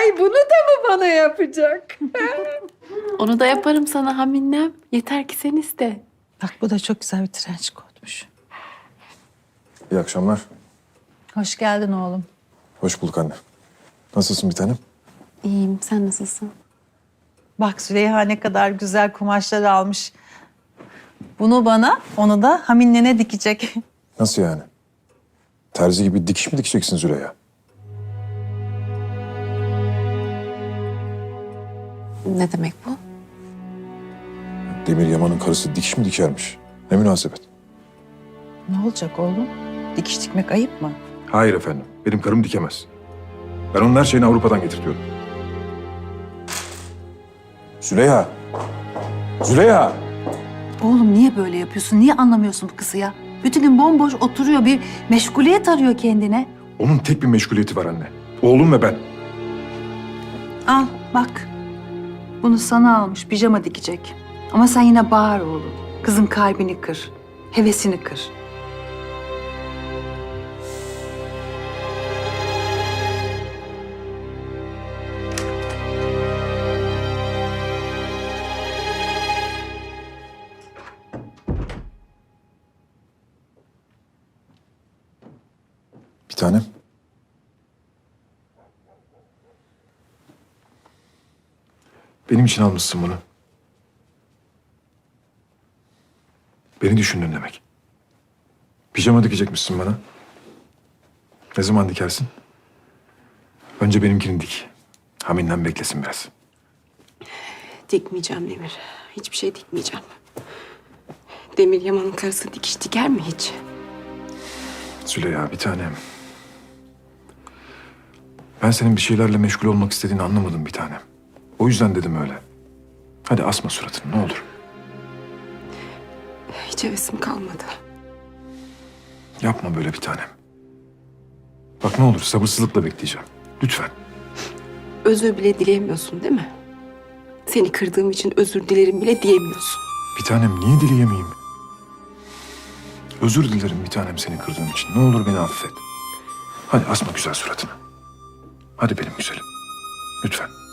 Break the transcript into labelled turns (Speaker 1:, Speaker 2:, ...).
Speaker 1: Ay bunu da mı bana yapacak?
Speaker 2: Onu da yaparım sana Haminem. Yeter ki sen iste.
Speaker 3: Bak bu da çok güzel bir trenç kotmuş.
Speaker 4: İyi akşamlar.
Speaker 3: Hoş geldin oğlum.
Speaker 4: Hoş bulduk anne. Nasılsın bir tanem?
Speaker 2: İyiyim. Sen nasılsın?
Speaker 3: Bak Züleyha ne kadar güzel kumaşlar almış. Bunu bana, onu da Hamin'le dikecek.
Speaker 4: Nasıl yani? Terzi gibi dikiş mi dikeceksin Züleyha?
Speaker 2: Ne demek bu?
Speaker 4: Demir Yaman'ın karısı dikiş mi dikermiş? Ne münasebet?
Speaker 3: Ne olacak oğlum? Dikiş dikmek ayıp mı?
Speaker 4: Hayır efendim. Benim karım dikemez. Ben onun her şeyini Avrupa'dan getirtiyorum. Züleyha! Züleyha!
Speaker 3: Oğlum niye böyle yapıyorsun? Niye anlamıyorsun bu kızı ya? Bütün gün bomboş oturuyor, bir meşguliyet arıyor kendine.
Speaker 4: Onun tek bir meşguliyeti var anne. Oğlum ve ben.
Speaker 3: Al bak. Bunu sana almış, pijama dikecek. Ama sen yine bağır oğlum. Kızın kalbini kır, hevesini kır.
Speaker 4: Bir tanem. Benim için almışsın bunu. Beni düşündün demek. Pijama dikecekmişsin bana. Ne zaman dikersin? Önce benimkini dik. Hamin'den beklesin biraz.
Speaker 2: Dikmeyeceğim Demir. Hiçbir şey dikmeyeceğim. Demir Yaman'ın karısı dikiş diker mi hiç?
Speaker 4: Züleyha bir tanem. Ben senin bir şeylerle meşgul olmak istediğini anlamadım bir tanem. O yüzden dedim öyle. Hadi asma suratını ne olur.
Speaker 2: Hiç hevesim kalmadı.
Speaker 4: Yapma böyle bir tanem. Bak ne olur sabırsızlıkla bekleyeceğim. Lütfen.
Speaker 2: Özür bile dileyemiyorsun değil mi? Seni kırdığım için özür dilerim bile diyemiyorsun.
Speaker 4: Bir tanem niye dileyemeyeyim? Özür dilerim bir tanem seni kırdığım için. Ne olur beni affet. Hadi asma güzel suratını. Hadi benim güzelim. Lütfen.